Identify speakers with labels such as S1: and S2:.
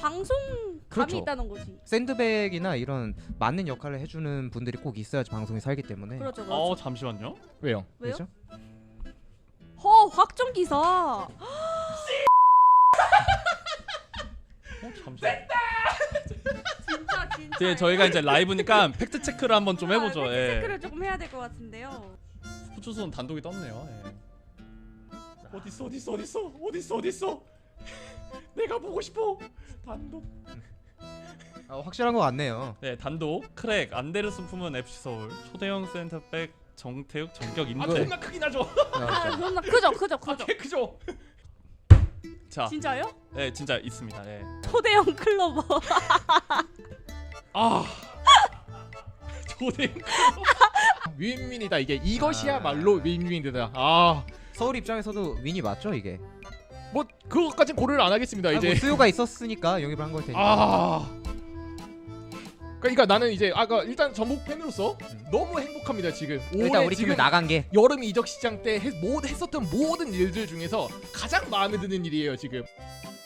S1: 방송감이
S2: 그렇죠.
S1: 있다는 거지.
S2: 샌드백이나 이런 맞는 역할을 해주는 분들이 꼭 있어야지 방송이 살기 때문에.
S1: 그렇죠, 그렇죠.
S3: 잠시만요.
S4: 왜요?
S1: 왜요?
S2: 그렇죠?
S1: 확정 기사.
S3: 잠시만.
S1: 진짜.
S3: 이제 저희가 이제 라이브니까 팩트 체크를 한번 좀 해보죠.
S1: 팩트
S3: 예.
S1: 체크를 조금 해야 될 것 같은데요.
S3: 후추수는 단독이 떴네요. 예. 어딨어? 내가 보고 싶어. 단독.
S2: 확실한 것 같네요.
S3: 네, 단독 크랙 안데르슨 품은 FC 서울 초대형 센터백 정태욱 전격 임대.
S4: 존나 크긴 하죠.
S1: 존나 크죠.
S4: 개 크죠.
S3: 자,
S1: 진짜요?
S3: 네, 진짜 있습니다. 네.
S1: 초대형 클로버.
S3: 초대형.
S4: 윈윈이다 이게. 이것이야말로 윈윈이다. 아,
S2: 서울 입장에서도 윈이 맞죠 이게?
S4: 뭐 그것까진 고려를 안 하겠습니다. 이제.
S2: 뭐 수요가 있었으니까 영입을 한 걸 테니까.
S4: 아. 그러니까 나는 이제 일단 전북 팬으로서 너무 행복합니다 지금.
S2: 일단 우리
S4: 지금
S2: 팀을 나간 게.
S4: 여름 이적 시장 때 했었던 모든 일들 중에서 가장 마음에 드는 일이에요 지금.